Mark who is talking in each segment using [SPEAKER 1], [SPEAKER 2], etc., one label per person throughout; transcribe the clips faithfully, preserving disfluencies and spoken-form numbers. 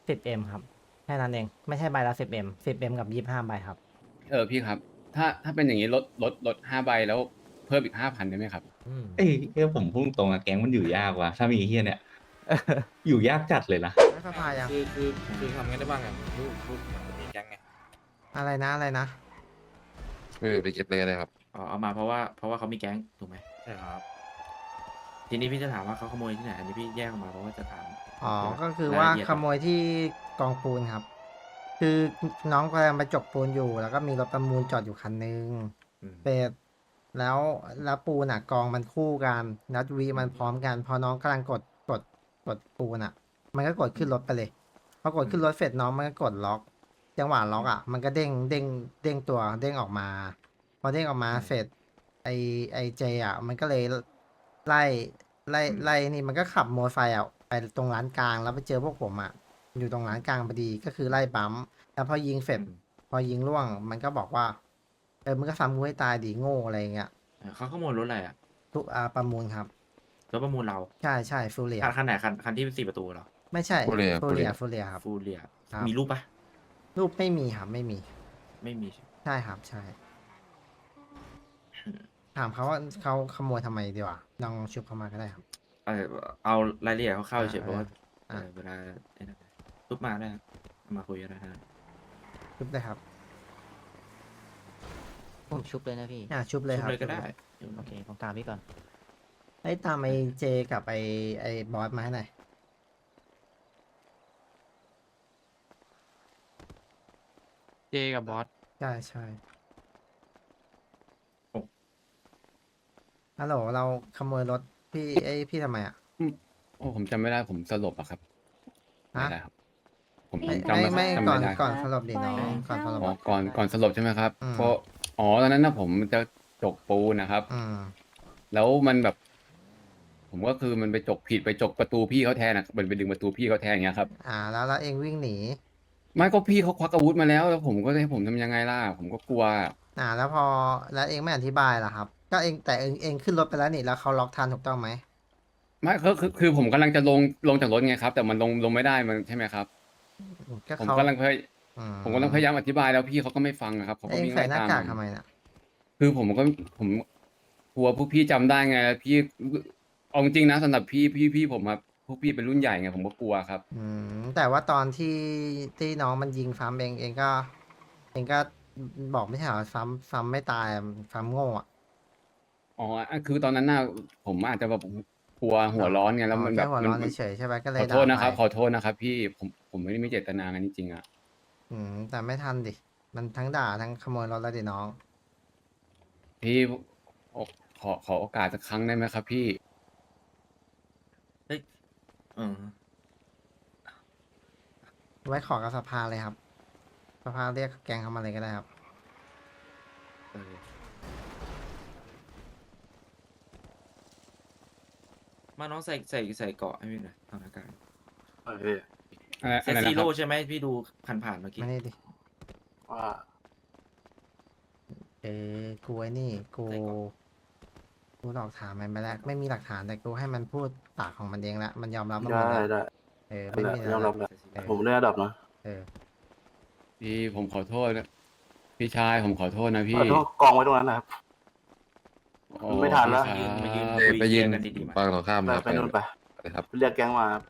[SPEAKER 1] สิบเอ็มครับแค่นั้นเองไม่ใช่ใบละสิบเอ็มสิบเอ็มกับยี่สิบห้าใบครับ
[SPEAKER 2] เออพี่ครับถ้าถ้าเป็นอย่างนี้ลดลดลดห้าใบแล้วเพิ่มอีกห้าพันได้ไหมครับ
[SPEAKER 1] อืม
[SPEAKER 3] เอ้ยเอ้ยผมพุ่งตรงอะแก๊งมันอยู่ยากว่ะถ้ามีไอ้เฮียเนี่ยอยู่ยากจัดเลยนะ
[SPEAKER 1] ไม่สภายัง
[SPEAKER 4] คือคือคือทำไงได้บ้างอ่ะลูกลูกมันมีแก๊งไง
[SPEAKER 1] อะไรนะอะไรนะ
[SPEAKER 5] เออไปเก็บเลยเลยครับ
[SPEAKER 6] อ๋อเอามาเพราะว่าเพราะว่าเขามีแก๊งถูกไหม
[SPEAKER 4] ใช่ครับ
[SPEAKER 6] ทีนี้พี่จะถามว่าเขาขโมยที่ไหนอันนี้พี่แยกออกมาเพราะว่าจะถาม
[SPEAKER 1] อ๋อ
[SPEAKER 6] เยว
[SPEAKER 1] ก็คือ
[SPEAKER 6] รย
[SPEAKER 1] ว่า
[SPEAKER 6] ละเอียด
[SPEAKER 1] ขโมยที่กองปูนครับ คือน้องกำลังมาจกปูนอยู่ แล้วก็มีรถประมูลจอดอยู่คันนึง
[SPEAKER 6] อืม
[SPEAKER 1] เสร็จแล้วแล้วปูนอ่ะกองมันคู่กันแล้ววีมันพร้อมกันพอน้องกำลังกดกดกดปูนอ่ะ มันก็กดขึ้นรถไปเลยพอกดขึ้นรถเสร็จน้องมันก็กดล็อกจังหวะล็อกอ่ะมันก็เด้งเด้งเด้งตัวเด้งออกมา พอเด้งออกมาเสร็จไอไอเจอ่ะมันก็เลยไล่ไล่ไล่นี่มันก็ขับมอเตอร์ไซค์อ่ะไปตรงร้านกลางแล้วไปเจอพวกผมอ่ะอยู่ตรงร้านกลางพอดีก็คือไล่บัมป์แล้วพอยิงเสร็จ พอยิงล่วงมันก็บอกว่าเออมึงก็ซ้ำกูให้ตายดีโง่อะไรเงี้ย
[SPEAKER 6] เออเขาขโมยรถอะไรอ่ะ
[SPEAKER 1] ทุกอาประมูลครับ
[SPEAKER 6] รถประมูลเรา
[SPEAKER 1] ใช่ใช่ฟูเรีย
[SPEAKER 6] คันคันไหนคันคันที่สี่ประตูเหรอ
[SPEAKER 1] ไม่ใช่
[SPEAKER 5] Furia
[SPEAKER 1] ฟูเรีย
[SPEAKER 5] Furia
[SPEAKER 1] ฟูเรียครับ
[SPEAKER 6] ฟูเรีย
[SPEAKER 1] ครับ
[SPEAKER 6] มีรูปปะ
[SPEAKER 1] รูปไม่มีครับไม่มี
[SPEAKER 6] ไม่มีใช่ไหม
[SPEAKER 1] ใช่ครับใช่ ถามเขาว่าเขาขโมยทำไมดีวะลองชุบเขามาก็ได้ครับ
[SPEAKER 6] เออเอารายละเอียดเขาเข้า
[SPEAKER 1] อ่า
[SPEAKER 6] เฉยๆเพราะว่า
[SPEAKER 1] อ่า
[SPEAKER 6] เออเวลาไอ้นั่นรูปมาได้ครับเอามาคุยกันได้นะ
[SPEAKER 1] ชุบเลยครับ
[SPEAKER 7] ผมชุบเลยนะพี่
[SPEAKER 1] อ่าชุบเลย
[SPEAKER 6] ชุบ
[SPEAKER 1] ครับ
[SPEAKER 6] เลยก็ได้
[SPEAKER 7] โอเค ผมตามพี่ก่อน
[SPEAKER 1] ไอ้ยตามไอเจกับไอไอบอสมาให้หน่อย
[SPEAKER 4] เจกับบอส
[SPEAKER 1] ใช่ใช่ฮัลโหลเราขโมยรถพี่ไอยพี่ทำไมอ่ะ
[SPEAKER 2] โอ้ผมจำไม่ได้ผมสลบอะครับ
[SPEAKER 1] ฮะ
[SPEAKER 2] ไม่ได้ครับ ผม
[SPEAKER 1] ไม่
[SPEAKER 2] จำ
[SPEAKER 1] ไม่
[SPEAKER 2] ไม่
[SPEAKER 1] ไม่
[SPEAKER 2] จำ
[SPEAKER 1] ก่อ
[SPEAKER 2] ไม่
[SPEAKER 1] น
[SPEAKER 2] ได้
[SPEAKER 1] ก่อนสลบดิน้องก่อนสลบ
[SPEAKER 2] อ๋อก่อนก่อนสลบใช่ไหมครับ
[SPEAKER 1] อืม
[SPEAKER 2] ก็อ๋อตอนนั้นนะผมจะจกปูนนะครับ
[SPEAKER 1] อืม
[SPEAKER 2] แล้วมันแบบ ผมก็คือมันไปจกผิดไปจกประตูพี่เขาแทนนะมันไปดึงประตูพี่เขาแทนอย่างเงี้ยครับ
[SPEAKER 1] อ่าแล้วแล้วเองวิ่งหนี
[SPEAKER 2] ไม่ก็พี่เขาควักอาวุธมาแล้ว แล้วผมก็ให้ผมทำยังไงล่ะ ผมก็กลัว
[SPEAKER 1] อ่า แล้วพอแล้วเองไม่อธิบายล่ะครับ ก็เองแต่เองเองขึ้นรถไปแล้วนี่แล้วเขาล็อกทันถูกต้องไหม
[SPEAKER 2] ไม่คือคือคือผมกำลังจะลงลงจากรถไงครับ แต่มันลงลงไม่ได้มันใช่ไหมครับ
[SPEAKER 1] ก็
[SPEAKER 2] ผม
[SPEAKER 1] เขา
[SPEAKER 2] กำลังพย
[SPEAKER 1] อื
[SPEAKER 2] ผมกำลังพยายามอธิบายแล้วพี่เขาก็ไม่ฟังอะครับเขา
[SPEAKER 1] เอ
[SPEAKER 2] ก็
[SPEAKER 1] ง
[SPEAKER 2] วิ่ง
[SPEAKER 1] ใส่
[SPEAKER 2] ไล่
[SPEAKER 1] หน้า
[SPEAKER 2] ตาม
[SPEAKER 1] กาก
[SPEAKER 2] ผม
[SPEAKER 1] ทำไมน่ะ
[SPEAKER 2] คือผมก็ผมกลัวพวกพี่จำได้ไงแล้วพี่เอาจริงๆนะสำหรับพี่พี่พี่ผมครับพวกพี่เป็นรุ่นใหญ่ไงผมก็กลัวครับ
[SPEAKER 1] อืมแต่ว่าตอนที่ที่น้องมันยิงซ้ำเองเองก็ เองก็บอกไม่ใช่เหรอซ้ำซ้ำไม่ตายอะซ้ำโง่อะ
[SPEAKER 2] อ๋ออ่ะคือตอนนั้นน่ะผมอาจจะแบบกลัวหัวร้อนไงแล้วมัน
[SPEAKER 1] อ๋อ
[SPEAKER 2] แบบ
[SPEAKER 1] ค่หัว
[SPEAKER 2] มัน
[SPEAKER 1] ร้อน
[SPEAKER 2] มัน
[SPEAKER 1] เฉยๆใช่ไหมก็เล
[SPEAKER 2] ข
[SPEAKER 1] ย
[SPEAKER 2] อโทษ
[SPEAKER 1] ด่า
[SPEAKER 2] นะครับ
[SPEAKER 1] ไป
[SPEAKER 2] ขอโทษนะครับ พี่ผมผมไม่ได้มีเจตนากันจริงๆอ่ะ
[SPEAKER 1] อืมแต่ไม่ทันดิ มันทั้งด่าทั้งขโมยรถแล้วดิน้อง
[SPEAKER 2] พี่ขอขอโอกาสสักครั้งได้ไหมครับ พี่
[SPEAKER 6] เฮ้ยเออ
[SPEAKER 1] ไว้ขอกับสภาเลยครับ สภาเรียกแกงเขามาเลยก็ได้ครับ
[SPEAKER 6] เออมาน้องใส่ใส่ใส่เกราะให้พี่หน่อยทางอากาศ
[SPEAKER 2] อะไร
[SPEAKER 6] เซ
[SPEAKER 2] อะไร
[SPEAKER 6] ซี
[SPEAKER 2] นะค
[SPEAKER 6] โร่
[SPEAKER 2] รับ
[SPEAKER 6] ใช่ไหมพี่ดูผ่านผ่านๆเมื่อกี้
[SPEAKER 1] ไม่ได้ดิ
[SPEAKER 5] ว่า
[SPEAKER 1] เออ กูไอ้นี่ กู
[SPEAKER 6] ใส่ก่อน
[SPEAKER 1] กูหลอกถามมันไปแล้ว ไม่มีหลักฐานแต่กูให้มันพูดปากของมันเองละ มันยอมรับมันหม
[SPEAKER 5] ได้
[SPEAKER 1] ดแล้ว
[SPEAKER 5] ได้
[SPEAKER 1] เออ ไม่มี
[SPEAKER 5] ยอมรับ
[SPEAKER 1] แล้ว
[SPEAKER 5] แล้วผมได้ระดับนะ
[SPEAKER 1] เออ
[SPEAKER 2] พี่ผมขอโทษนะพี่ชายผมขอโทษนะพี่
[SPEAKER 5] ขอโทษกองไว้ตรงนั้นนะครับ
[SPEAKER 2] โอ้
[SPEAKER 5] ไม่ทันแล้ว
[SPEAKER 2] พี่
[SPEAKER 6] มายืน
[SPEAKER 2] ครับ
[SPEAKER 6] มายืน
[SPEAKER 5] ไปยืน
[SPEAKER 6] กันดีๆมา
[SPEAKER 5] ฝั่งตรงข้าม
[SPEAKER 8] ไป
[SPEAKER 5] นะครับ
[SPEAKER 8] ไปนู่นไป
[SPEAKER 5] ไปครับเรียกแก๊งมาครับ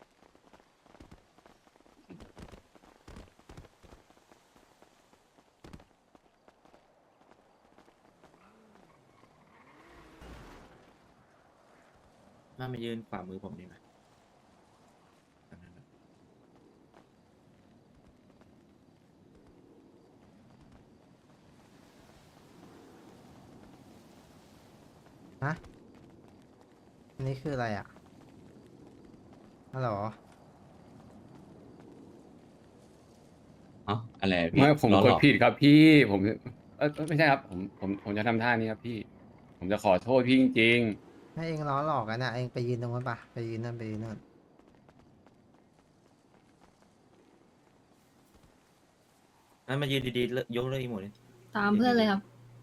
[SPEAKER 6] มามายืนขวามือผมดีไหมอันนั้นน่ะ
[SPEAKER 1] ฮะ อันนี้คืออะไรอ่ะ ฮัลโหล
[SPEAKER 3] เอ้าอะไรอะพี่
[SPEAKER 2] ไม่ผม
[SPEAKER 3] ล้อก หล
[SPEAKER 2] ด
[SPEAKER 3] อก
[SPEAKER 2] ผิดครับ พี่ผมเออไม่ใช่ครับ ผมผมผมจะทำท่านี้ครับพี่ ผมจะขอโทษพี่จริง
[SPEAKER 1] ให้เองล้อหลอกกันนะเองไปยืนตรงนั้นปะไปยืนนั่นไปยืนนั่น
[SPEAKER 6] งั้นมายืนดีๆแล้วยกเลิกอีโมดเลย
[SPEAKER 9] ตามเพื่อนเลยครับ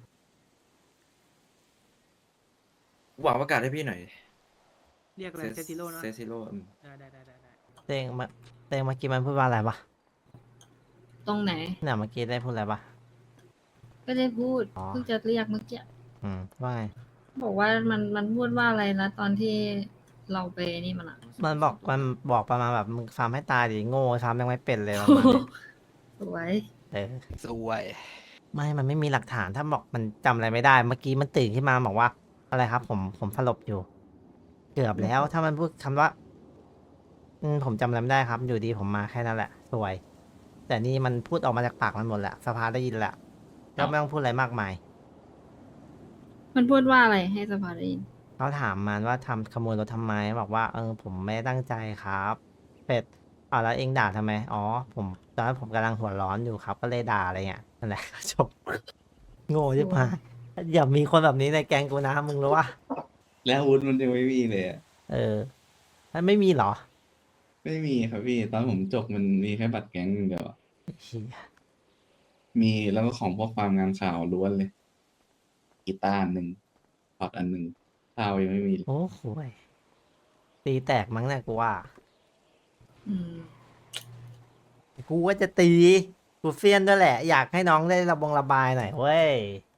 [SPEAKER 6] หวังประกาศให้พี่หน่อย
[SPEAKER 10] เรียกอะไรเซติโร่นะ
[SPEAKER 6] เซซิโร่อืม
[SPEAKER 10] ได้ได้ได้ได้ได้
[SPEAKER 1] เองมาเต้เมื่อกี้มันพูดว่าอะไรปะ
[SPEAKER 8] ตรงไหน
[SPEAKER 1] เนี่ยเมื่อกี้ได้พูดอะไรปะ
[SPEAKER 8] ก็ได้พูด
[SPEAKER 1] อ๋อ
[SPEAKER 8] เพิ่งจะเรียกเมื่อกี้
[SPEAKER 1] อืมว่าไง
[SPEAKER 8] บอกว่ามันมันพูดว่าอะไรนะตอนที่เราไปนี่มันอะ
[SPEAKER 1] มันบอกมันบอกประมาณแบบมึงฟาร์มให้ตายดิโง่ฟาร์มยังไม่เป็นเลยประมาณนี้
[SPEAKER 8] สวย
[SPEAKER 1] เออ
[SPEAKER 4] สวย
[SPEAKER 1] ไม่ มันไม่มีหลักฐานถ้าบอกมันจำอะไรไม่ได้ เมื่อกี้มันตื่นขึ้นมาบอกว่า อะไรครับ ผมผมสลบอยู่ เกือบแล้ว ถ้ามันพูดคำว่า อืมผมจำอะไรไม่ได้ครับ อยู่ดีผมมาแค่นั้นแหละ สวย แต่นี่มันพูดออกมาจากปากมันหมดแหละสภาได้ยินแหละก็ไม่ต้องพูดอะไรมากมาย
[SPEAKER 8] มันพูดว่าอะไรให้สภาได้ยิน
[SPEAKER 1] เขาถามมันว่าทำขโมยรถทำไมบอกว่าเออผมไม่ได้ตั้งใจครับเป็ดอ่าแล้วเองด่าทำไมอ๋อผมตอนนั้นผมกำลังหัวร้อนอยู่ครับ ก็เลยด่าอะไรเงี้ยนั่นแหละ จบ โง่ใช่ไหมอย่ามีคนแบบนี้ในแก๊งกูนะมึงรู้ว่า
[SPEAKER 3] แล้วอาวุธมันยังไม่มีเลยอะ
[SPEAKER 1] เออมันไม่มีเหรอ
[SPEAKER 3] ไม่มีครับพี่ ตอนผมจบมันมีแค่บัตรแก๊งอย่างเดียวอะ
[SPEAKER 1] เหี้ย
[SPEAKER 3] มีแล้วก็ของพวกความงานข่าวล้วนเลยกีตาร์อันหนึ่งพอร์ตอันหนึ่งข้าวยังไม่มีเลย
[SPEAKER 1] โอ้โหยตีแตกมั้งเนี่ยกูว่า
[SPEAKER 8] อืม
[SPEAKER 1] กูว่าจะตีกูเฟี้ยนด้วยแหละ อยากให้น้องได้ระบงระบายหน่อยเว้ย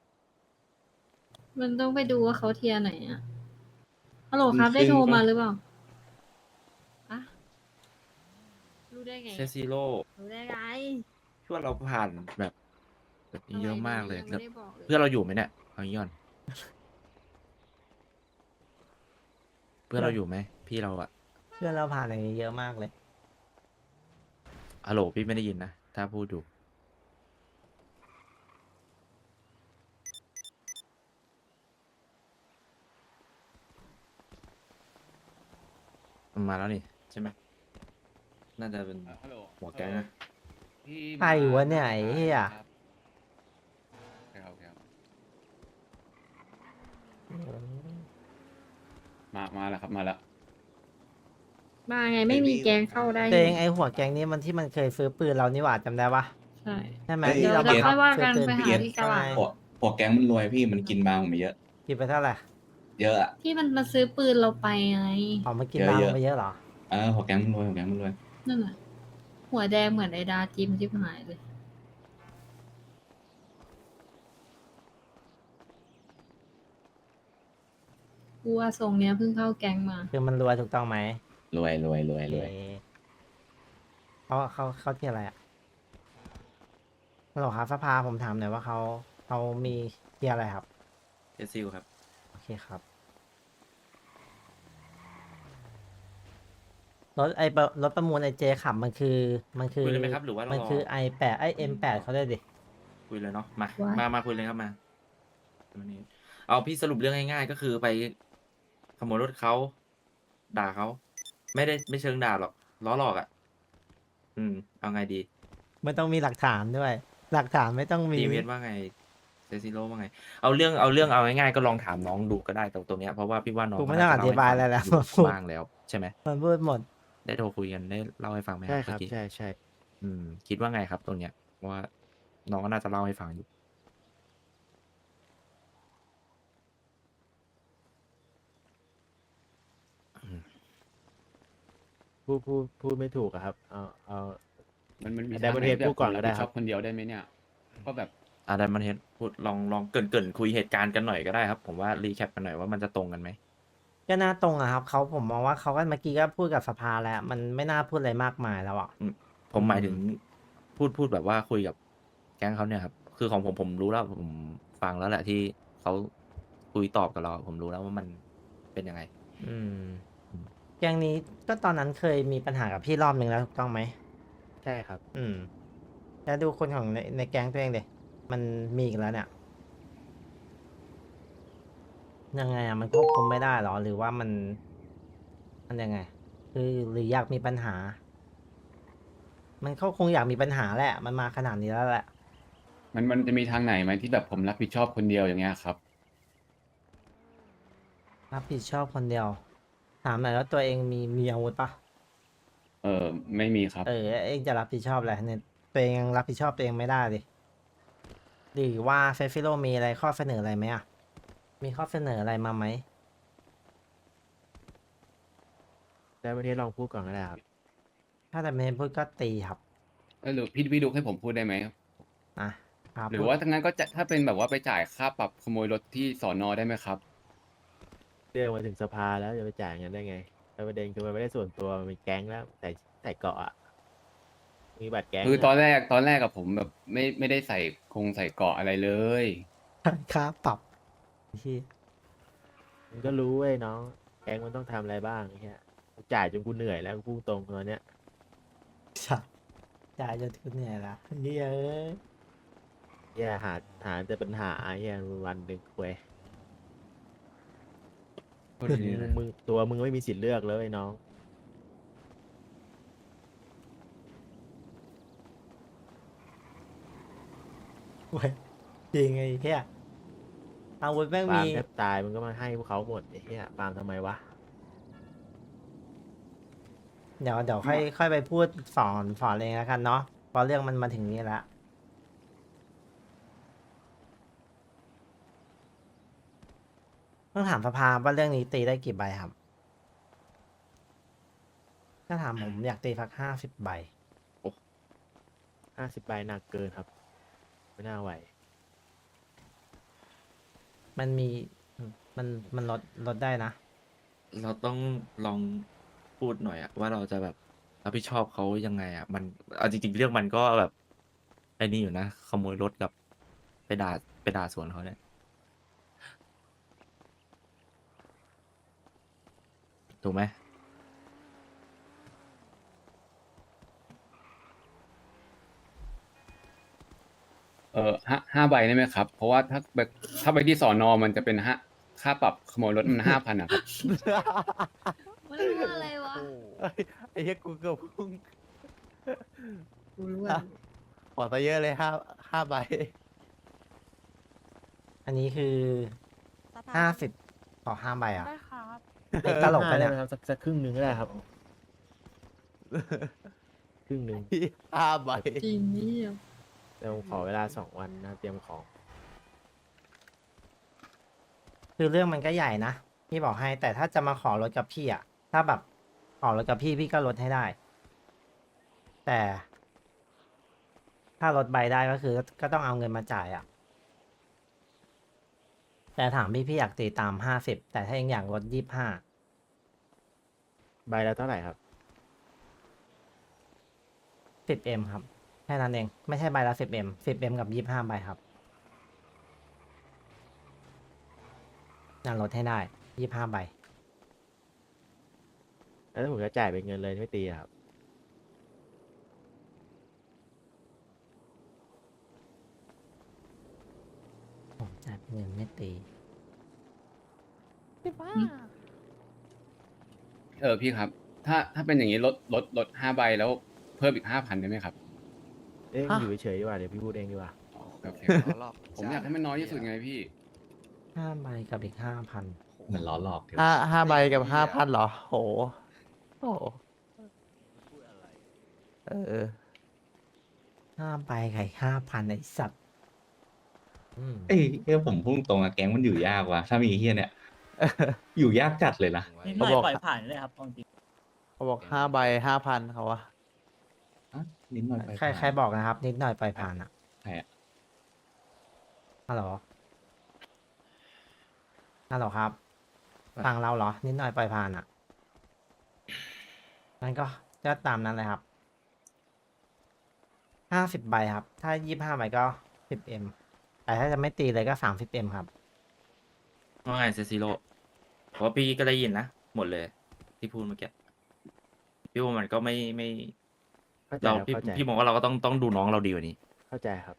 [SPEAKER 8] มันต้องไปดูว่าเขาเทียร์ไหนอะฮัลโหลครับได้โทรมาหรือเปล่าอะรู้ได้ไง
[SPEAKER 6] เซซิโร่
[SPEAKER 8] รู้ได้ไง
[SPEAKER 6] ช่วยเราผ่านแบบแบบนี้เยอะมากเลย
[SPEAKER 8] ยัง
[SPEAKER 6] แล้ว
[SPEAKER 8] ไม่ได้บอกเลย
[SPEAKER 6] เพื่อนเราอยู่ไหมเนี่ยเอางี้ก่อน เพื่อนเราอยู่ไหมพี่เราอะ
[SPEAKER 1] เพื่อนเราผ่านอย่างนี้เยอะมากเลย
[SPEAKER 6] ฮัลโหลพี่ไม่ได้ยินนะ ถ้าพูดอยู่มันมาแล้วนี่ใช่ไหมน่าจะเป็น
[SPEAKER 2] ฮัลโหล
[SPEAKER 6] หัวแก๊งนะ
[SPEAKER 2] พี่
[SPEAKER 1] ใครวะเนี่ยไอ้เหี้ย
[SPEAKER 2] ครับครับมามาแล้วครับมาแล้ว
[SPEAKER 8] มาไงไม่มีแกงเข้าได้
[SPEAKER 1] เตงไอหัวแก๊งนี้มันที่มันเคยซื้อปืนเรานี่หว่าจำได้ปะ
[SPEAKER 8] ใช่
[SPEAKER 1] ใช่ไหม
[SPEAKER 3] เอ้ย
[SPEAKER 1] ที่
[SPEAKER 8] เดี๋ยว
[SPEAKER 1] เรา
[SPEAKER 8] เดี๋ยว
[SPEAKER 1] บังคั
[SPEAKER 8] ค่อยว่ากัน
[SPEAKER 1] ซื้อ
[SPEAKER 8] ไป
[SPEAKER 1] ปื
[SPEAKER 8] หาที่ตลาด
[SPEAKER 3] พวกพวกแก๊งมันรวยพี่มันกินบาร์ผมไปเยอะ
[SPEAKER 1] กินไปเท่าไหร่
[SPEAKER 3] เยอะอะ
[SPEAKER 8] ที่มันมาซื้อปืนเราไปไง
[SPEAKER 1] อ๋อมันกิน
[SPEAKER 3] เยอะ
[SPEAKER 1] บาง
[SPEAKER 3] เยอะ
[SPEAKER 1] ไปเยอะเหรอ
[SPEAKER 3] เออพวกแก๊งมันรวยพวกแก๊งมันรวย
[SPEAKER 8] นั่นน่ะ หัวแดงเหมือนไอ้ดาจิมที่หายเลย กูว่าทรงเนี้ยเพิ่งเข้าแก๊งมา
[SPEAKER 1] คือมันรวยถูกต้องไหม
[SPEAKER 3] รวยรวยรวยรวย
[SPEAKER 1] เอ๊ะเขาเขาเขาที่อะไรอ่ะฮัลโหลครับสภาผมถามหน่อยว่าเขาเขามีที่อะไรครับ
[SPEAKER 6] เจซิลครับ
[SPEAKER 1] โอเคครับ รถไอประรถประมูลไอเจขับมันคือ มันคือ
[SPEAKER 6] คุยเลยไหมครับหรือว่าเรา
[SPEAKER 1] มัน
[SPEAKER 6] รอ
[SPEAKER 1] คือไอแปดไอเอ็มแปดเขาได้ดิ
[SPEAKER 6] คุยเลยเนาะมา
[SPEAKER 8] ว่า
[SPEAKER 6] มามาคุยเลยครับมาวันนี้เอาพี่สรุปเรื่องง่ายๆ ก็คือไปขโมยรถเขาด่าเขาไม่ได้ไม่เชิงด่าหรอกล้อหลอกอ่ะ อืม เอาไงดี
[SPEAKER 1] ไม่ต้องมีหลักฐานด้วย หลักฐานไม่ต้องมี
[SPEAKER 6] ทีเวสว่าไงเซซิโร่ว่าไง เอาเรื่องเอาเรื่องเอาง่ายๆก็ลองถามน้องดูก็ได้ตรงตรงเนี้ยเพราะว่าพี่ว่าน้อง
[SPEAKER 1] กูไม่ต้องอธิบายอะไรแล้ว
[SPEAKER 6] ก็น่าจะเล่าให้ฟังอยู่บ้างแล้วใช่ไหม
[SPEAKER 1] มันพูดหมด
[SPEAKER 6] ได้โทรคุยกันได้เล่าให้ฟังไหม
[SPEAKER 4] ใช่ครับ
[SPEAKER 6] เมื่อกี้
[SPEAKER 4] ใช่ใช่
[SPEAKER 6] อืม คิดว่าไงครับตรงเนี้ยว่าน้องก็น่าจะเล่าให้ฟังอยู่
[SPEAKER 4] พูดพูดพูดไม่ถูกอะครับ เอาเอา
[SPEAKER 2] มันมันมี
[SPEAKER 4] แต่ประเทศ
[SPEAKER 2] ทางไห
[SPEAKER 4] พูดก่อน
[SPEAKER 2] แบบ
[SPEAKER 4] ก็ได้
[SPEAKER 2] ผม
[SPEAKER 4] ครับ
[SPEAKER 2] บผิชอบคนเดียวได้ไหมเนี่ยก็แบบ
[SPEAKER 6] อาดันมันเห็นพูดลองลองเกรินเกรินคุยเหตุการณ์กันหน่อยก็ได้ครับ ผมว่ารีแคปกันหน่อยว่ามันจะตรงกันไหม
[SPEAKER 1] ก็น่าตรงอะครับเขาผมมองว่าเขาก็เมื่อกี้ก็พูดกับสภาแล้ว มันไม่น่าพูดอะไรมากมายแล้วอ่ะ
[SPEAKER 6] ผมหมายถึงพูดพูดแบบว่าคุยกับแก๊งเขาเนี่ยครับ คือของผมผมรู้แล้วผมฟังแล้วแหละที่เขาคุยตอบกับเรา ผมรู้แล้วว่ามันเป็นยังไง
[SPEAKER 1] อืมอย่างนี้ก็ตอนนั้นเคยมีปัญหากับพี่รอบหนึ่งแล้วถูกต้องไหม
[SPEAKER 4] ใช่ครับ
[SPEAKER 1] อืมแล้วดูคนของในในแก๊งตัวเองเดมันมีอีกแล้วเนี่ย ยังไงอะมันควบคุมไม่ได้หรอ หรือว่ามัน มันยังไง คือหรืออยากมีปัญหา มันเขาคงอยากมีปัญหาแหละ มันมาขนาดนี้แล้วแหละ
[SPEAKER 2] มันมันจะมีทางไหนไหมที่แบบผมรับผิดชอบคนเดียวอย่างเงี้ยครับ
[SPEAKER 1] รับผิดชอบคนเดียว ถามหน่อยแล้วตัวเองมีมีอาวุธปะ
[SPEAKER 2] เออไม่มีครับ
[SPEAKER 1] เออเองจะรับผิดชอบอะไรเนี่ยตัวเองยังรับผิดชอบตัวเองไม่ได้ดิหรือว่าเฟฟิโลมีอะไรข้อเสนออะไรไหมอ่ะ มีข้อเสนออะไรมาไหม
[SPEAKER 4] แต่ประเทศลองพูดก่อนก็ได้ครับ
[SPEAKER 1] ถ้าแต่ไม่พูดก็ตีครับ
[SPEAKER 2] เออหรือพี่พี่ดุกให้ผมพูดได้ไหม
[SPEAKER 1] อ่ะครับ
[SPEAKER 2] หรือว่าถ้างั้นก็จะถ้าเป็นแบบว่าไปจ่ายค่าปรับขโมยรถที่สอนอได้ไหมครับ
[SPEAKER 4] เรื่องมาถึงสภาแล้วจะไปจ่ายเงินได้ไงแต่ประเด็นคือมันไม่ได้ส่วนตัวมันเป็นแก๊งแล้วใส่ใส่เกราะอะมีบัตรแก๊ง
[SPEAKER 2] คือตอน
[SPEAKER 4] อะ
[SPEAKER 2] แรกตอนแรกกับผมแบบไม่ไม่ได้ใส่คงใส่เกราะอะไรเลย
[SPEAKER 1] ค่าปรับที่
[SPEAKER 4] มึงก็รู้เว้ยน้องแก๊งมันต้องทำอะไรบ้างไอ้เงี้ยกูจ่ายจนกูเหนื่อยแล้วกูพูดตรงตอนเนี้ย
[SPEAKER 1] สัตว์จ่ายจนทุนเหนื่อยละเฮ้ยเอ้ย
[SPEAKER 4] แย่หาหาแต่ปัญหาแย่วันหนึ่งคุย
[SPEAKER 2] โทษที
[SPEAKER 4] มึง
[SPEAKER 2] นะ
[SPEAKER 4] มึงตัวมึงไม่มีสิทธิ์เลือกเลยน้อง
[SPEAKER 1] เว้ยจริงไอ้เหี้ยอาวุธแม่ง
[SPEAKER 4] ฟาร์
[SPEAKER 1] มี
[SPEAKER 4] มแทบตายมึงก็มาให้พวกเขาหมดไอ้เหี้ยฟาร์มทำไมวะ
[SPEAKER 1] เดี๋ยวเดี๋ยวค่อยค่อยไปพูดสอนสอนเองแล้วกันเนาะเพราะเรื่องมันมาถึงนี้แล้วต้องถามสภาว่าเรื่องนี้ตีได้กี่ใบครับ ถ้าถามผมอยากตีสักห้าสิบใบ
[SPEAKER 4] ห้าสิบใบหนักเกินครับ ไม่น่าไหว
[SPEAKER 1] มันมีมันมันลดลดได้นะ
[SPEAKER 6] เราต้องลองพูดหน่อยอะว่าเราจะแบบรับผิดชอบเขายังไงอะมันเอาจริงๆเรื่องมันก็แบบไอ้นี่อยู่นะขโมยรถกับไปด่าไปด่าสวนเขาเนี่ยถูกไหม
[SPEAKER 2] เออห้าห้าใบได้ไหมครับ เพราะว่าถ้าแบบถ้าไปที่สอนอมันจะเป็นห้าค่าปรับขโมยรถมันห้าพันอะครับ
[SPEAKER 8] มันรู้อะไรวะ
[SPEAKER 4] ไอ้เหี้ยกูเกือบพุ่ง
[SPEAKER 8] กูรู้อะ
[SPEAKER 4] ขอซะเยอะเลยห้าห้าใบ
[SPEAKER 1] อันนี้คือห้าสิบต่อห้าใบอ่ะ
[SPEAKER 9] ได้ครับ
[SPEAKER 1] เด็กตลกไปะเนี่ย
[SPEAKER 4] ด้หมครับสักสักครึ่งหนึ่งก็ได้ครับ ครึ่งหนึ่งห้าใบ
[SPEAKER 8] จริงนี่เดียว
[SPEAKER 4] เดี๋ยวผมขอเวลาสองวันนะเตรียมของ
[SPEAKER 1] คือเรื่องมันก็ใหญ่นะพี่บอกให้ แต่ถ้าจะมาขอลดกับพี่อ่ะ ถ้าแบบขอลดกับพี่พี่ก็ลดให้ได้ แต่ ถ้าลดใบได้ก็คือก็ต้องเอาเงินมาจ่ายอ่ะ แต่ถามพี่พี่อยากตีตามห้าสิบแต่ถ้ายังอยากลดยี่ห้า
[SPEAKER 4] ใบละเท่าไหร่ครับ
[SPEAKER 1] สิบเอ็มครับแค่นั้นเอง ไม่ใช่ใบละสิบเอ็มสิบเอ็มกับยี่ห้าใบครับน่าลดให้ได้ยี่ห้าใบ
[SPEAKER 4] แล้วถ้าผมจะจ่ายเป็นเงินเลยไม่ตีอะครับ
[SPEAKER 1] ผมจ่ายเป็นเงินไม่ตี
[SPEAKER 9] สิบห้า
[SPEAKER 2] เออพี่ครับ ถ้าถ้าเป็นอย่างนี้ลดลดลดห้าใบแล้วเพิ่มอีกห้าพันได้ไหมครับ
[SPEAKER 4] เอ้ยอยู่เฉยๆดีกว่าเดี๋ยวพี่พูดเองดีกว่า
[SPEAKER 2] โอเคผมอยากให้มันน้อยที่สุดไงพี่
[SPEAKER 1] ห้าใบกับอีกห้าพัน
[SPEAKER 3] เหมือนล้อหลอกเดี๋ยว
[SPEAKER 10] ห้าห้าใบกับห้าพันเหรอ โห โอ้โหเออ
[SPEAKER 1] ห้าใบกับห้าพันไอสัตว์
[SPEAKER 4] อืม
[SPEAKER 3] เอ้ยเอ้ยผมพูดตรงอะแก๊งมันอยู่ยากว่ะถ้ามีไอ้เฮียเนี่ย อยู่ยากจัดเลยนะ
[SPEAKER 10] นิดหน่อยปล่อยผ่านเลยครับจริงเขาบอกห้าใบห้าพันเขาวะ
[SPEAKER 3] อ่ะนิดหน่อยไป
[SPEAKER 1] ใครใครบอกนะครับ นิดหน่อยปล่อยผ่านอ่ะ
[SPEAKER 3] ใครอะ
[SPEAKER 1] ฮัลโหลฮัลโหลครับ ฟังเราเหรอ นิดหน่อยปล่อยผ่านอ่ะงั้นก็ก็ตามนั้นเลยครับห้าสิบใบครับ ถ้ายี่ห้าใบก็สิบเอ็มแต่ถ้าจะไม่ตีเลยก็สามสิบเอ็มครับ
[SPEAKER 6] ว่าไงเซซิโร่เพราะว่าพี่ก็ได้ยินนะ หมดเลย ที่พูดเมื่อกี้พี่ว่ามันก็ไม่ไม่
[SPEAKER 4] เข้าใจ
[SPEAKER 6] เรา
[SPEAKER 4] ครับ
[SPEAKER 6] พี่
[SPEAKER 4] เข้าใจ
[SPEAKER 6] พี่มองว่าเราก็ต้องต้องดูน้องเราดีกว่านี้
[SPEAKER 4] เข้าใจครับ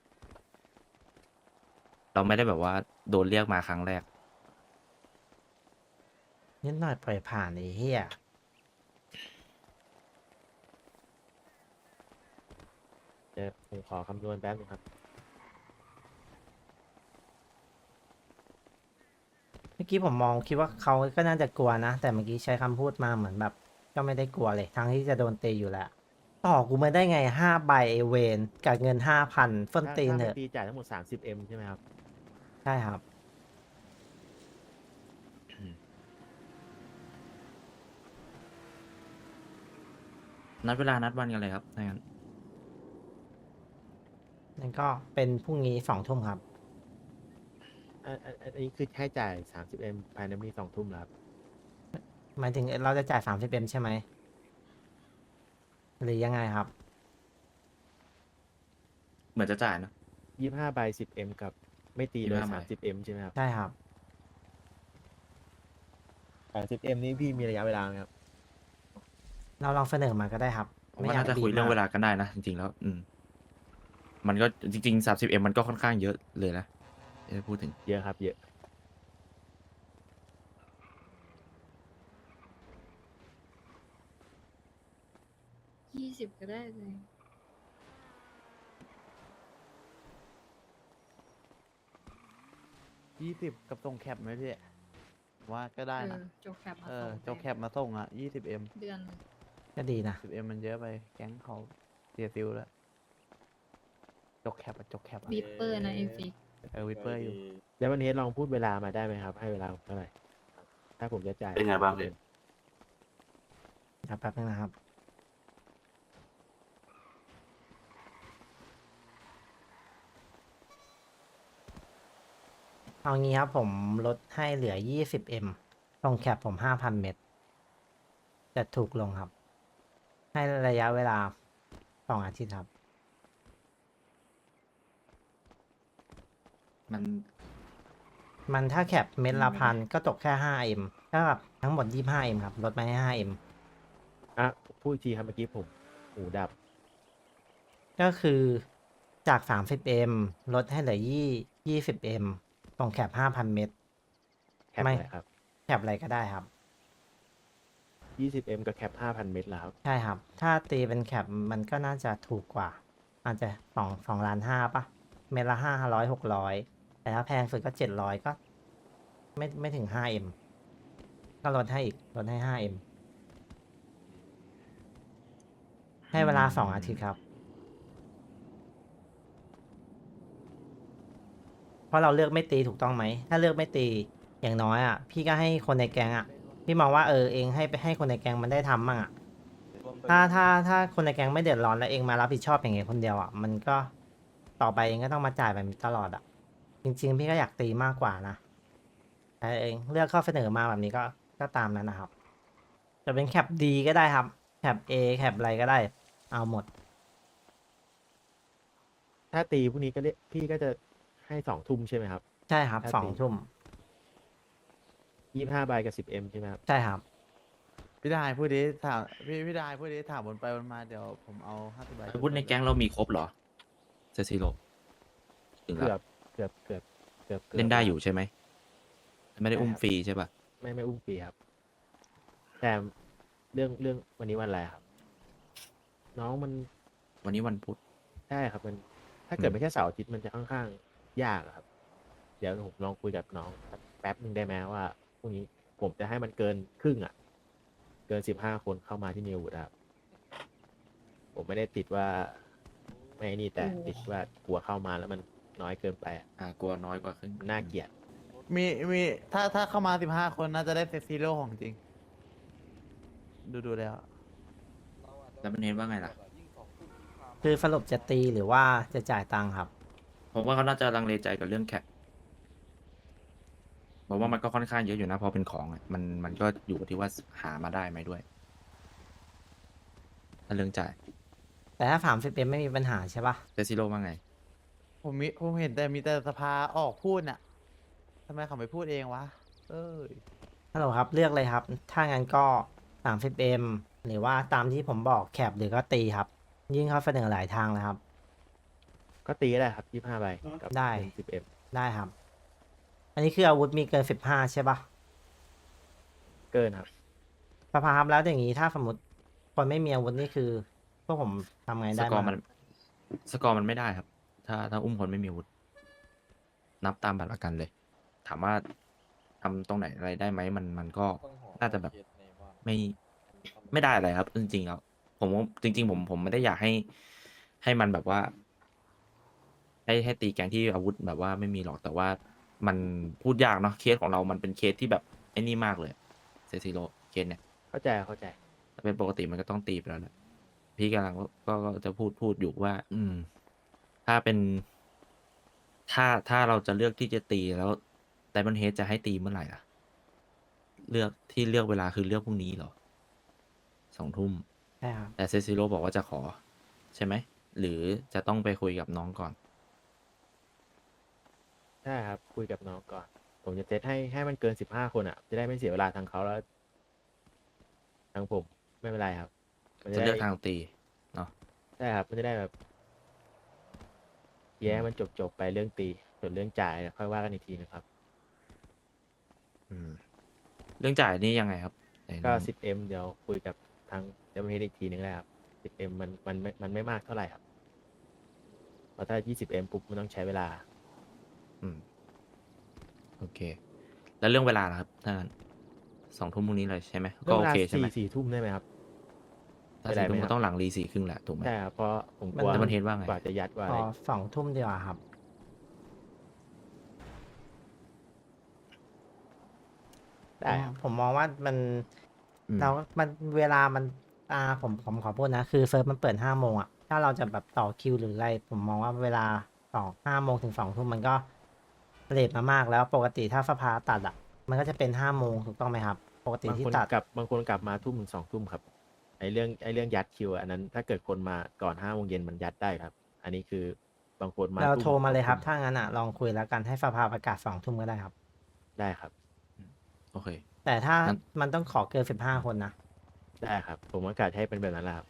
[SPEAKER 6] เราไม่ได้แบบว่าโดนเรียกมาครั้งแรก
[SPEAKER 1] นิดหน่อยปล่อยผ่านไอ้เหี้ย
[SPEAKER 4] เดี๋ยวผมขอคำนวณแป๊บนึงครับ
[SPEAKER 1] เมื่อกี้ผมมองคิดว่าเขาก็น่าจะกลัวนะ แต่เมื่อกี้ใช้คำพูดมาเหมือนแบบ ก็ไม่ได้กลัวเลย ทั้งที่จะโดนตีอยู่แล้ว ต่อกูมาได้ไงห้าใบไอเวนกับเงินห้าพันเฟิ่น
[SPEAKER 4] ถ้า
[SPEAKER 1] ตีน
[SPEAKER 4] ถ้า
[SPEAKER 1] เถ
[SPEAKER 4] ไม่
[SPEAKER 1] อะ
[SPEAKER 4] ตีจ่ายทั้งหมดสามสิบเอ็มใช่ไหมครับ
[SPEAKER 1] ใช่ครับ
[SPEAKER 4] อ
[SPEAKER 6] นัดเวลานัดวันกันเลยครับถ้างั้น
[SPEAKER 1] นั่นก็เป็นพรุ่งนี้สองทุ่มครับ
[SPEAKER 4] อันอันอันนี้คือให้จ่ายสามสิบเอ็มภายในวันนี้สองทุ่มแล้วครับ
[SPEAKER 1] หมายถึงเราจะจ่ายสามสิบเอ็มใช่ไหมหรือยังไงครับ
[SPEAKER 6] เหมือนจะจ่ายเนอะ
[SPEAKER 4] ยี่ห้าใบสิบเอ็มกับไม่ตีเลย
[SPEAKER 6] ยี่สิบห้าใบ
[SPEAKER 4] สามสิบเอ็มใช่ไหมครับ
[SPEAKER 1] ใช่ครับ
[SPEAKER 4] สามสิบเอ็มนี้พี่มีระยะเวลาไหมครับ
[SPEAKER 1] เราลองเสนอมาก็ได้ครับ
[SPEAKER 6] ผม
[SPEAKER 1] ไม่
[SPEAKER 6] ว่า
[SPEAKER 1] อยาก
[SPEAKER 6] น่าจะ
[SPEAKER 1] บี
[SPEAKER 6] คุย
[SPEAKER 1] บ
[SPEAKER 6] เรื่อง
[SPEAKER 1] มาก
[SPEAKER 6] เวลากันได้นะ จริงๆแล้ว อืม มันก็จริงๆสามสิบเอ็มมันก็ค่อนข้างเยอะเลยนะเอ้ยพูดถึง
[SPEAKER 4] เยอะครับ เยอะ
[SPEAKER 8] ยี่สิบก็ได้เลย
[SPEAKER 10] ยี่สิบกับส่งแคปไหมพี่ว่าก็ได้
[SPEAKER 8] เอ
[SPEAKER 10] นะ
[SPEAKER 8] อจบแคปมา
[SPEAKER 10] เอ
[SPEAKER 8] ส
[SPEAKER 10] อ
[SPEAKER 8] อง
[SPEAKER 10] เจ้าแคปมาส่งอ่ะยี่สิบเอ็ม
[SPEAKER 8] เดือนหนึ่ง
[SPEAKER 1] ก็ดีนะ
[SPEAKER 10] สิบเอ็มมันเยอะไปแก๊งเขาเสียซิลแล้วจกแคปอะจกแคปอะ
[SPEAKER 8] บีปเปอร์นะเอฟิก
[SPEAKER 10] เออวิปเปอร์อยู่
[SPEAKER 4] แล้ววันนี้ลองพูดเวลามาได้ไหมครับ ให้เวลาผมเท่าไหร่ ถ้าผมจะจ่าย
[SPEAKER 5] เป็นไงบ้างพี่
[SPEAKER 1] ครับแป๊บนึงนะครับ เอางี้ครับผมลดให้เหลือ ยี่สิบเอ็ม ตรงแคปผม ห้าพัน เมตร จะถูกลงครับ ให้ระยะเวลาสองอาทิตย์ครับ
[SPEAKER 6] มัน
[SPEAKER 1] มันถ้าแคปเม็ดละพันก็ตกแค่ ห้าเอ็ม ถ้ากับทั้งหมด ยี่สิบห้าเอ็ม ครับ ลดมาให้ ห้าเอ็ม
[SPEAKER 4] อ่ะพูดอีกทีครับเมื่อกี้ผมหูดับ
[SPEAKER 1] ก็คือจาก สามสิบเอ็ม ลดให้เหลือ ยี่สิบเอ็ม ตรงแคป ห้าพัน เมตร
[SPEAKER 4] แคป
[SPEAKER 1] ไม่
[SPEAKER 4] อะไรครับ
[SPEAKER 1] แคปอะไรก็ได้ครับ
[SPEAKER 4] ยี่สิบเอ็มกับแคปห้าพันเมตรแล้วครับ
[SPEAKER 1] ใช่ครับ ถ้าตีเป็นแคปมันก็น่าจะถูกกว่า อาจจะสองสองล้านห้าปะเมตรละห้าร้อยหกร้อยแต่ถ้าแพงสุดก็เจ็ดร้อยก็ ไม่ไม่ถึงห้าเอ็มก็ลดให้อีกลดให้ห้าเอ็มให้เวลาสองอาทิตย์ครับ เพราะเราเลือกไม่ตีถูกต้องไหม ถ้าเลือกไม่ตีอย่างน้อยอ่ะ พี่ก็ให้คนในแก๊งอ่ะ พี่มองว่าเออเองให้ไปให้คนในแก๊งมันได้ทำมั่งอ่ะ ถ้าถ้าถ้าคนในแก๊งไม่เดือดร้อนแล้วเองมารับผิดชอบอย่างเงี้ยคนเดียวอ่ะ มันก็ต่อไปเองก็ต้องมาจ่ายแบบนี้ตลอดอ่ะ จริงๆ พี่ก็อยากตีมากกว่านะแต่เองเลือกข้อเสนอมาแบบนี้ก็ก็ตามนั้นนะครับ จะเป็นแคปดีก็ได้ครับ แคป A แคปอะไรก็ได้ เอาหมด
[SPEAKER 4] ถ้าตีพรุ่งนี้ก็เรียกพี่ก็จะให้สองทุ่มใช่ไหมครับ
[SPEAKER 1] ใช่ครับ
[SPEAKER 4] ถ้า
[SPEAKER 1] สอง
[SPEAKER 4] ตี
[SPEAKER 1] ทุ่ม
[SPEAKER 4] ยี่ห้าใบกับสิบเอ็มใช่ไหมครับ
[SPEAKER 1] ใช่ครับ
[SPEAKER 10] พี่ดายพูดดิถามพี่พี่ดายพูดดิถามวนไปวนมาเดี๋ยวผมเอาห้าสิบใบ
[SPEAKER 6] อาวุธในแก๊งเรามีครบเหรอเซซิโร่ถึง
[SPEAKER 4] เกื
[SPEAKER 6] แล้
[SPEAKER 4] อ
[SPEAKER 6] ว
[SPEAKER 4] บเกือบเกือบเกือบกือบ
[SPEAKER 6] เล่นได้อยู่ใช่ไหม ไม่ได้อุ้ม
[SPEAKER 4] ใช่ครับ
[SPEAKER 6] ฟรีใช่ป่ะ
[SPEAKER 4] ไม่ไม่อุ้มปีครับ แต่เรื่องเรื่องวันนี้วันอะไรครับ น้องมัน
[SPEAKER 6] วันนี้วันพุธ
[SPEAKER 4] ใช่ครับ มัน ถ้าเกิด
[SPEAKER 6] อืม
[SPEAKER 4] ไม่ใช่เสาร์อาทิตย์มันจะค่อนข้างยากอะครับ เดี๋ยวผมลองคุยกับน้องแป๊บหนึ่งได้ไหมว่าพรุ่งนี้ผมจะให้มันเกินครึ่งอ่ะ เกินสิบห้าคนเข้ามาที่นิวครับ ผมไม่ได้ติดว่า ไม่นี่แต่ติดว่ากลัวเข้ามาแล้วมันน้อยเกินไปอะ
[SPEAKER 6] อ่ากลัวน้อยกว่าครึ่ง
[SPEAKER 4] มันน่าเกลียด
[SPEAKER 10] มีมีถ้าถ้าเข้ามาสิบห้าคนน่าจะได้เซตซีโร่ของจริง ดูดูแล้ว
[SPEAKER 6] แล้วมันเห็นว่าไงล่ะ
[SPEAKER 1] คือสรุปจะตีหรือว่าจะจ่ายตังค์ครับ
[SPEAKER 6] ผมว่าเขาน่าจะลังเลใจกับเรื่องแคปผมว่ามันก็ค่อนข้างเยอะอยู่นะพอเป็นของอะมันมันก็อยู่ที่ว่าหามาได้ไหมด้วย ถ้าเรื่องจ่าย
[SPEAKER 1] แต่ถ้าสามสิบเอ็มไม่มีปัญหาใช่ปะ
[SPEAKER 6] เซซิโร่ว่าไง
[SPEAKER 10] ผมมีผมเห็นแต่มีแต่สภาออกพูดน่ะทำไมเขาไม่พูดเองวะ เอ้ย
[SPEAKER 1] ฮัลโหลครับ เลือกเลยครับ ถ้างั้นก็สามสิบเอ็มหรือว่าตามที่ผมบอกแคปหรือก็ตีครับ ยิ่งเขาเสนอหลายทางเลยครับ
[SPEAKER 4] ก็ตีได้ครับยี่ห้าใบกับ
[SPEAKER 1] ได้
[SPEAKER 4] สิบเอ็ม
[SPEAKER 1] ได้ครับ อันนี้คืออาวุธมีเกินสิบห้าใช่ปะ
[SPEAKER 4] เกินครับ
[SPEAKER 1] สภาครับแล้วอย่างนี้ถ้าสมมติคนไม่มีอาวุธนี่คือ พวกผมทำไง
[SPEAKER 6] ส
[SPEAKER 1] ได้
[SPEAKER 6] กอร์
[SPEAKER 1] บ้าง
[SPEAKER 6] มัน สกอร์มันไม่ได้ครับ ถ้าถ้าอุ้มคนไม่มีอาวุธ นับตามบัตรประกันเลย ถามว่าทำตรงไหนอะไรได้ไหมมันมันก็น่าจะแบบไม่ไม่ได้อะไรครับ จริงๆแล้วผมว่าจริง ๆ ผมผมไม่ได้อยากให้ให้มันแบบว่า ให้ให้ตีแกงที่อาวุธแบบว่าไม่มีหรอกแต่ว่ามันพูดยากเนาะเคสของเรามันเป็นเคสที่แบบไอ้นี่มากเลยเซซิโร่เคสเนี่ย
[SPEAKER 4] เข้าใจเข้าใจ
[SPEAKER 6] ถ้าเป็นปกติมันก็ต้องตีไปแล้วแหละพี่กำลังก็ก็จะพูดพูดอยู่ว่า อืม ถ้าเป็น ถ้าถ้าเราจะเลือกที่จะตีแล้วไดมอนเฮดจะให้ตีเมื่อไหร่ล่ะ เลือกที่เลือกเวลาคือเลือกพรุ่งนี้เหรอสองทุ่ม
[SPEAKER 1] ใช่ครับ
[SPEAKER 6] แต่เซซิโร่บอกว่าจะขอ ใช่ไหม หรือจะต้องไปคุยกับน้องก่อน
[SPEAKER 4] ใช่ครับ คุยกับน้องก่อน ผมจะเซตให้ให้มันเกินสิบห้าคนอ่ะ จะได้ไม่เสียเวลาทางเขาแล้วทางผมไม่เป็นไรครับมัน
[SPEAKER 6] จะ
[SPEAKER 4] ได้
[SPEAKER 6] เลือกทางตีเนาะ
[SPEAKER 4] ใช่ครับ มันจะได้แบบแย้มันจบจบๆไปเรื่องตี ส่วนเรื่องจ่ายเนี่ยค่อยว่ากันอีกทีนะครับ
[SPEAKER 6] อืม เรื่องจ่ายนี่ยังไงครับไหน
[SPEAKER 4] ก็
[SPEAKER 6] ลอง
[SPEAKER 4] สิบเอ็มเดี๋ยวคุยกับทางเจ้าหน้าที่อีกทีนึงแล้วครับ สิบเอ็มมันมันไม่มันไม่มากเท่าไหร่ครับเพราะถ้า ยี่สิบเอ็มปุ๊บมันต้องใช้เวลา
[SPEAKER 6] อืม โอเค แล้วเรื่องเวลาล่ะครับถ้างั้นสองทุ่มพรุ่งนี้เลยใช่ไหมก็โอเคใช่ไหม
[SPEAKER 4] สี่สี่ทุ่มได้ไหมครับ
[SPEAKER 6] ถ้า
[SPEAKER 4] ไม่ได้
[SPEAKER 6] สี่ทุ่ม
[SPEAKER 4] ไหมครั
[SPEAKER 6] ก็
[SPEAKER 4] บ
[SPEAKER 6] ต้องหลังรีสี่ครึ่งแหละถูกไหม
[SPEAKER 4] ใช่ครับเพราะผมก
[SPEAKER 1] มัน
[SPEAKER 4] ลัว
[SPEAKER 6] แล้วมันเห็นว่าไง
[SPEAKER 4] กว่าจะยัดกว่า
[SPEAKER 1] พ
[SPEAKER 4] อะไร
[SPEAKER 1] อสองทุ่มดีกว่าครับ
[SPEAKER 4] ได้ครับ
[SPEAKER 1] ผมมองว่ามัน
[SPEAKER 6] อืม
[SPEAKER 1] เรา มันเวลามันอ่าผมผมขอพูดนะ คือเซิร์ฟมันเปิดห้าโมงอ่ะ ถ้าเราจะแบบต่อคิวหรืออะไร ผมมองว่าเวลาต่อห้าโมงถึงสองทุ่มมันก็เลทมามากแล้วปกติถ้าสภาตัดอ่ะ มันก็จะเป็นห้าโมงถูกต้องไหมครับ ปกติ
[SPEAKER 4] บาง
[SPEAKER 1] ที่
[SPEAKER 4] คน
[SPEAKER 1] ตัด
[SPEAKER 4] กลับบางคนกลับมาทุ่มถึงสองทุ่มครับไอเรื่องไอเรื่องยัดคิวอะอันนั้น ถ้าเกิดคนมาก่อนห้าโมงเย็นมันยัดได้ครับ อันนี้คือบางคนมา
[SPEAKER 1] เรา
[SPEAKER 4] ทุ่
[SPEAKER 1] โทรมาเลยครับ
[SPEAKER 4] สองทุ่
[SPEAKER 1] ถ้างั้นอ่ะลองคุยแล้วกันให้สภาประกาศสองทุ่มก็ได้ครับ
[SPEAKER 4] ได้ครับ
[SPEAKER 6] โอเค
[SPEAKER 1] แต่ถ้า
[SPEAKER 6] งั้น
[SPEAKER 1] มันต้องขอเกินสิบห้าคนนะ
[SPEAKER 4] ได้ครับ ผมประกาศให้เป็นแบบนั้นแหละครับ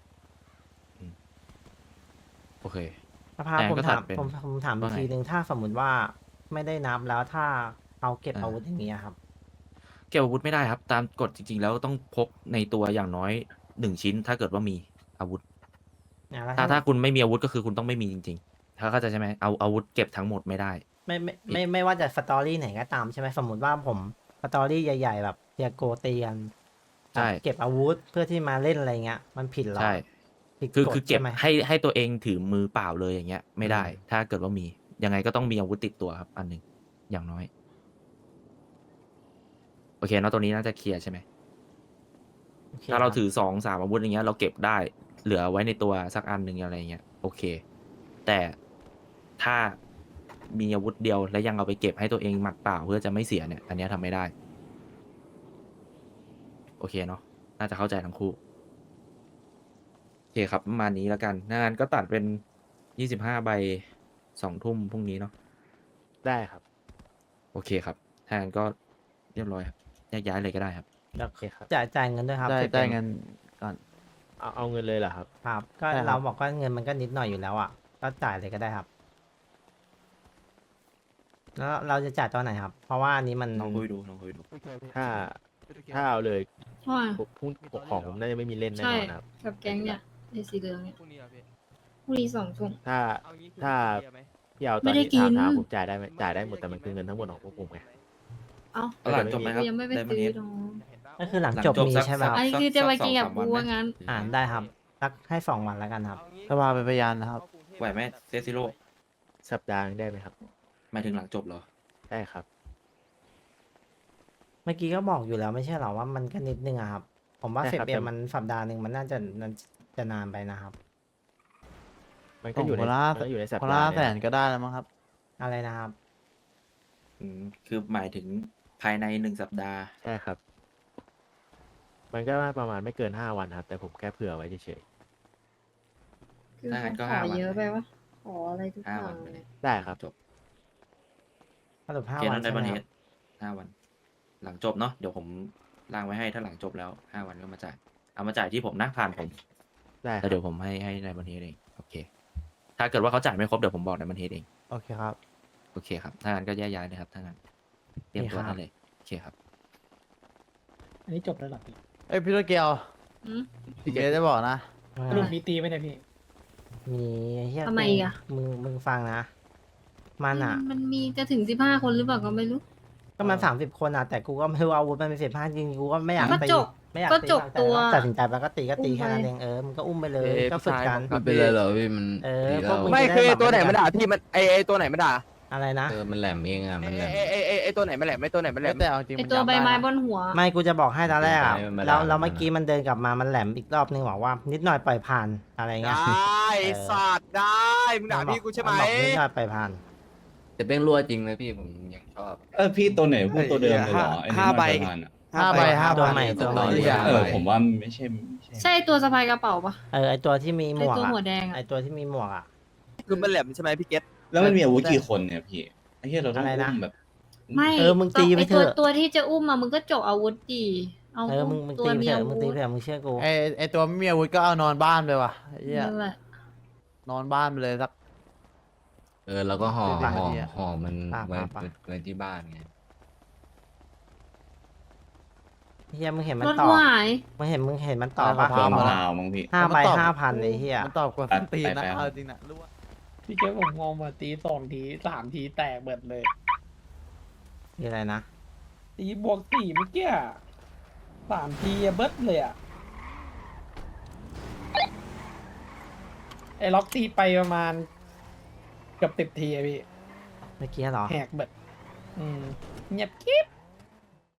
[SPEAKER 6] โอเค
[SPEAKER 1] สภา
[SPEAKER 6] แต่
[SPEAKER 1] ผม
[SPEAKER 6] ก็
[SPEAKER 1] ถาม
[SPEAKER 6] ตัดเป็น
[SPEAKER 1] ผมผมถามอี
[SPEAKER 6] ว่าก ไง
[SPEAKER 1] ทีนึงถ้าสมมุติว่าไม่ได้นับแล้วถ้าเขาเก็บ
[SPEAKER 6] อ่า
[SPEAKER 1] อาวุธอย่างเงี้ยครับ
[SPEAKER 6] เก็บอาวุธไม่ได้ครับ ตามกฎจริง ๆ แล้วต้องพกในตัวอย่างน้อยหนึ่งชิ้น ถ้าเกิดว่ามีอาวุธ
[SPEAKER 1] นะแล้ว
[SPEAKER 6] ถ้า
[SPEAKER 1] ถ้า
[SPEAKER 6] ถ้าคุณไม่มีอาวุธก็คือคุณต้องไม่มีจริงๆ ถ้าเข้าใจใช่ไหมเอาอาวุธเก็บทั้งหมดไม่ได้
[SPEAKER 1] ไม่ไม่ไม่ไม่ว่าจะสตอรี่ไหนก็ตามใช่ไหมสมมติว่าผมสตอรี่ใหญ่ๆ แบบเตียโกเตียน
[SPEAKER 6] ใช่
[SPEAKER 1] เก็บอาวุธเพื่อที่มาเล่นอะไรเงี้ย มันผิดเหรอ
[SPEAKER 6] ใช่
[SPEAKER 1] ผิด
[SPEAKER 6] คือก
[SPEAKER 1] ฎ
[SPEAKER 6] คือเก็บ
[SPEAKER 1] ใช่ไหม
[SPEAKER 6] ให้ให้ตัวเองถือมือเปล่าเลยอย่างเงี้ย ไม่ได้
[SPEAKER 1] อืม
[SPEAKER 6] ถ้าเกิดว่ามียังไงก็ต้องมีอาวุธติดตัวครับ อันหนึ่งอย่างน้อย โอเคเนาะตัวนี้น่าจะเคลียร์ใช่ไหม
[SPEAKER 1] โอค
[SPEAKER 6] ถ้าเรา
[SPEAKER 1] คบ
[SPEAKER 6] ถือสองสามอาวุธอย่างเงี้ยเราเก็บได้ เหลือไว้ในตัวสักอันหนึ่งอะไรเงี้ยโอเค แต่ถ้ามีอาวุธเดียวและยังเอาไปเก็บให้ตัวเองหมัดเปล่าเพื่อจะไม่เสียเนี่ย อันเนี้ยทำไม่ได้ โอเคเนาะน่าจะเข้าใจทั้งคู่โอเคครับประมาณนี้แล้วกันงานก็ตัดเป็นยี่สิบห้าใบสองทุ่มพรุ่งนี้เนาะ
[SPEAKER 4] ได้ครับ
[SPEAKER 6] โอเคครับถ้างั้นก็เรียบร้อยครับแยกย้ายเลยก็ได้ครับ
[SPEAKER 1] เดี๋ยว
[SPEAKER 4] โอเคครับ
[SPEAKER 1] จ่ายจ่ายเงินด้วยครับ
[SPEAKER 10] ได้
[SPEAKER 1] สิบ
[SPEAKER 10] ได้
[SPEAKER 1] อ็ม
[SPEAKER 10] เงินก่อน
[SPEAKER 4] เอาเอาเงินเลยเหรอครับ
[SPEAKER 1] ครับ ก็
[SPEAKER 10] ใช่ครับ
[SPEAKER 1] เราบอกว่าเงินมันก็นิดหน่อยอยู่แล้วอ่ะ ก็จ่ายเลยก็ได้ครับ แล้วเราจะจ่ายตอนไหนครับ เพราะว่าอันนี้มัน
[SPEAKER 6] ลองคุยดูลองคุยดู
[SPEAKER 4] ถ้าถ้าเอาเลย
[SPEAKER 8] ว่า
[SPEAKER 4] พรุ่งของผมน่าจะไม่มีเล่นแน่
[SPEAKER 8] ใช่
[SPEAKER 4] นอนครับ
[SPEAKER 8] กับแก๊งเนี่ยไอ้สีเหลืองเนี่ย
[SPEAKER 9] พรุ่งนี้เหรอพี่
[SPEAKER 8] พรุ่งนี้สองทุ่ม
[SPEAKER 4] ถ้า
[SPEAKER 9] เอางี้
[SPEAKER 4] ถ้า
[SPEAKER 9] คุยกับเบียร์ไหม
[SPEAKER 4] พี่เอาต
[SPEAKER 8] ไม่
[SPEAKER 4] อน
[SPEAKER 8] ได้
[SPEAKER 4] นี้
[SPEAKER 8] กิ
[SPEAKER 4] ถาม
[SPEAKER 8] น
[SPEAKER 4] ถามผมจ่ายได้ไหมจ่ายได้หมดแต่มันคือเงินทั้งหมดของพวกผมไง
[SPEAKER 8] เอ้า
[SPEAKER 6] เอาหลังจบไหมครับ
[SPEAKER 8] ยังไม่ไป
[SPEAKER 6] ได้มา
[SPEAKER 8] ซื้อ
[SPEAKER 6] เนี้
[SPEAKER 8] น้อง
[SPEAKER 1] ก็คือหลังจบมีใช่ไหมครับ
[SPEAKER 8] อันนี้คือจะไปกินกับกูว่างั้น
[SPEAKER 1] อ่าได้ครับสักให้สองวันแล้วกันครับ
[SPEAKER 10] สภาเป็นพยานนะครับ
[SPEAKER 6] ไหวไหมเซซิโร่
[SPEAKER 4] สัปดาห์หนึ่งได้ไหมครับ
[SPEAKER 6] หมายถึงหลังจบเหรอ
[SPEAKER 4] ได้ครับ
[SPEAKER 1] เมื่อกี้ก็บอกอยู่แล้วไม่ใช่เหรอว่ามันก็นิดนึงอะครับ ผมว่า
[SPEAKER 4] ใช่
[SPEAKER 1] สิบ
[SPEAKER 4] ครับ
[SPEAKER 1] เอ็ม
[SPEAKER 4] แต่
[SPEAKER 1] มันสัปดาห์หนึ่งมันน่าจะมันจะนานไปนะครับ
[SPEAKER 4] มันก็อยู่ใน
[SPEAKER 10] คนละ
[SPEAKER 4] มันก็อยู่ในสัป
[SPEAKER 10] คน
[SPEAKER 4] ดา
[SPEAKER 10] ละ
[SPEAKER 4] ห์
[SPEAKER 10] แส
[SPEAKER 4] เนี่ย
[SPEAKER 10] นก็ได้แล้วมั้งครับ
[SPEAKER 1] อะไรนะครับ
[SPEAKER 6] อืมคือหมายถึงภายในหนึ่งสัปดาห์
[SPEAKER 4] ใช่ครับ มันก็ประมาณไม่เกินห้าวันครับ แต่ผมแค่เผื่อไว้เฉย
[SPEAKER 8] คือ
[SPEAKER 6] ถ้างั้นก็
[SPEAKER 8] ข
[SPEAKER 6] ห้า
[SPEAKER 8] อ
[SPEAKER 6] วัน
[SPEAKER 8] เยอะไปวะขออะไรทุกอ
[SPEAKER 6] ห้า
[SPEAKER 8] ย่า
[SPEAKER 6] วัน
[SPEAKER 8] ง
[SPEAKER 6] ไป
[SPEAKER 8] เล
[SPEAKER 6] เลย ย
[SPEAKER 4] ๆได้ครับ
[SPEAKER 6] จบ
[SPEAKER 1] สรุปห้า
[SPEAKER 6] เค
[SPEAKER 1] วั
[SPEAKER 6] นั้น นได้
[SPEAKER 1] ใช่ไห
[SPEAKER 6] บั
[SPEAKER 1] ม
[SPEAKER 6] น
[SPEAKER 1] ค
[SPEAKER 6] เท
[SPEAKER 1] รับ
[SPEAKER 6] สห้าวัน หลังจบเนาะเดี๋ยวผมร่างไว้ให้ถ้าหลังจบแล้วห้าวันก็มาจ่ายเอามาจ่ายที่ผมนะผ่านผม
[SPEAKER 4] ได้ค
[SPEAKER 6] แล้
[SPEAKER 4] รั
[SPEAKER 6] ว
[SPEAKER 4] บ
[SPEAKER 6] เดี๋ยวผมให้ให้ในบันเทสเองโอเค ถ้าเกิดว่าเขาจ่ายไม่ครบเดี๋ยวผมบอกในบันเทสเอง
[SPEAKER 10] โอเคครับ
[SPEAKER 6] โอเคครับถ้างั้นก็แยกย้ายเลยครับถ้างั้นเตรียมตัว
[SPEAKER 1] โอเคครับ
[SPEAKER 6] ได้เลยโอเคครับ
[SPEAKER 9] อันนี้จบแล้วเหรอพี่
[SPEAKER 10] เอ้ยพี่โตเกียว
[SPEAKER 8] อืม
[SPEAKER 10] พี่เกดจะบอกนะ
[SPEAKER 9] สรุปมีตีไหมเนี่ยพี่
[SPEAKER 1] มีไอ้เฮีย
[SPEAKER 8] ทำไมอีกอะ
[SPEAKER 1] มึงมึงฟังนะ มันอ่ะ
[SPEAKER 8] มันมีจะถึงสิบห้าคนหรือเปล่าก็ไม่รู้
[SPEAKER 1] ก็มันสามสิบคนอ่ะ แต่กูก็ไม่รู้ว่าอาวุธมันเป็นสิบห้าจริงๆกูก็ไม่อยาก
[SPEAKER 8] ก็
[SPEAKER 1] ตี
[SPEAKER 8] จบ
[SPEAKER 1] ไม่อยาก
[SPEAKER 8] ก็
[SPEAKER 1] ตี
[SPEAKER 8] จบ
[SPEAKER 1] แต่
[SPEAKER 8] ตัว
[SPEAKER 1] ตัดสินใจแล้วก็ตีก็ตี
[SPEAKER 8] อุ้ม
[SPEAKER 1] แค่นั้น
[SPEAKER 8] ไป
[SPEAKER 1] เองเออมันก็อุ้มไปเลย
[SPEAKER 9] เอ๊ะ
[SPEAKER 1] ก็ฝึกกัน
[SPEAKER 9] พี่ชายผม
[SPEAKER 11] ไม่เป็นไรหรอกพี่มัน
[SPEAKER 1] เออ
[SPEAKER 11] ดี
[SPEAKER 1] พวก
[SPEAKER 11] แล้ว
[SPEAKER 1] มึง
[SPEAKER 9] ไม่
[SPEAKER 1] จะ
[SPEAKER 9] คือ
[SPEAKER 1] ด้
[SPEAKER 9] ไอ้ตัวไหน
[SPEAKER 1] แบบ
[SPEAKER 9] มันด่าพี่มันไอไอตัวไหนมันด่า
[SPEAKER 1] อะไรนะ
[SPEAKER 11] เออมันแหลมเองอ่ะมันแหลม
[SPEAKER 10] ไอไอไอตัวไหนไม่แหลมไม่ตัวไหนไม่แหลมแต่เอาจริง
[SPEAKER 8] ไอตัวใบไม้บนหัว
[SPEAKER 1] ไม่กูจะบอกให้ตอนแรกอะ
[SPEAKER 11] ไม่ไม่
[SPEAKER 1] แล้ว
[SPEAKER 11] ไม่
[SPEAKER 1] แล้ว
[SPEAKER 11] ไม่
[SPEAKER 1] เมื่อกี้มันเดินกลับมามันแหลมอีกรอบนึงบอกว่า นิดหน่อยปล่อยผ่านอะไรเงี้ย
[SPEAKER 10] สัตว์ได้มึงด่าพี่กูใช่ไหม
[SPEAKER 1] นบอกนิดหน่อยปล่อยผ่าน
[SPEAKER 11] แต่เป้งรั่วจริงเลยพี่ผมยังชอบ
[SPEAKER 3] เออพี่ตัวไหนพูดตัวเดิมเลยเหรอไอ้นี่
[SPEAKER 10] ห้า
[SPEAKER 3] มัน
[SPEAKER 10] ใบ
[SPEAKER 3] ประมาณอะ
[SPEAKER 10] ห้าใบห้า
[SPEAKER 1] ตัว
[SPEAKER 10] ใบ
[SPEAKER 1] ใหม่ตัวใหม่
[SPEAKER 3] เออผมว่าไม่ใช่ไม่ใช่
[SPEAKER 8] ใช่ตัวสะพายกระเป๋าปะ
[SPEAKER 1] เออไอตัวที่มีหม
[SPEAKER 8] ไอ
[SPEAKER 1] วก
[SPEAKER 8] ตัว
[SPEAKER 1] อะ
[SPEAKER 8] หัวแดง
[SPEAKER 1] ไอ
[SPEAKER 8] อะ
[SPEAKER 1] ตัวที่มีหมวกอะ
[SPEAKER 10] คือมันแหลมใช่ไหมพี่เกต
[SPEAKER 3] แล้วมันมีอาวุธกี่คนเนี่ยพี่ไอ้เหี้ยเราต้อง
[SPEAKER 1] อะไรนะ
[SPEAKER 3] อุ้มแบบ
[SPEAKER 8] ไม่
[SPEAKER 1] เออมึงตีไปเถอะ
[SPEAKER 8] ไอตัวตัวที่จะอุ้มมามึงก็จกอาวุธดีเอา
[SPEAKER 1] เออมึงมึง
[SPEAKER 8] ตัว
[SPEAKER 1] ตีไป
[SPEAKER 8] มี
[SPEAKER 1] เถ
[SPEAKER 8] อา
[SPEAKER 1] อะมึงตี
[SPEAKER 8] วุ
[SPEAKER 1] ไป
[SPEAKER 8] ธ
[SPEAKER 1] เถอะมึงเชื่อกู
[SPEAKER 10] ไอไอตัวไม่มีอาวุธก็เอานอนบ้านไปว่ะไอ้เหี้ย
[SPEAKER 8] นั่นแหละ
[SPEAKER 10] นอนบ้านไปเลยสัก
[SPEAKER 11] เออแล้วก็ห่อ
[SPEAKER 10] ปาก
[SPEAKER 11] ห่อ
[SPEAKER 10] เนี่ย
[SPEAKER 11] ห่อมัน
[SPEAKER 1] ปาก
[SPEAKER 11] ไว้
[SPEAKER 1] ปาก
[SPEAKER 11] ไว้ที่บ้านไง
[SPEAKER 1] เฮียมึงเห็นมัน
[SPEAKER 8] รถ
[SPEAKER 1] ต่อ
[SPEAKER 8] กูหาย
[SPEAKER 1] มึงเห็นมึงเห็นมันต่อปะ
[SPEAKER 3] ตัวมะพร้าวมั้งพี่
[SPEAKER 1] ห้าใบ
[SPEAKER 10] มันตอบ
[SPEAKER 1] ห้าพันไอ้เฮีย
[SPEAKER 10] มันตอบกว่า
[SPEAKER 3] ตัด
[SPEAKER 10] ตีนนะ
[SPEAKER 3] ไปๆ
[SPEAKER 10] เอาจริงนะรู้ว่า
[SPEAKER 9] พี่เจ๊ผมงงมาตีสองทีสามทีแตกเบิดเลย
[SPEAKER 1] มีอะไรนะ
[SPEAKER 9] ตีบวกสี่เมื่อกี้อะสามทีอะเบิดเลยอะไอ้ล็อกตีไปประมาณเกือบสิบทีอะพี่
[SPEAKER 1] เมื่อกี้เหรอ
[SPEAKER 9] แหกเบิดอืมเงียบกิ๊บ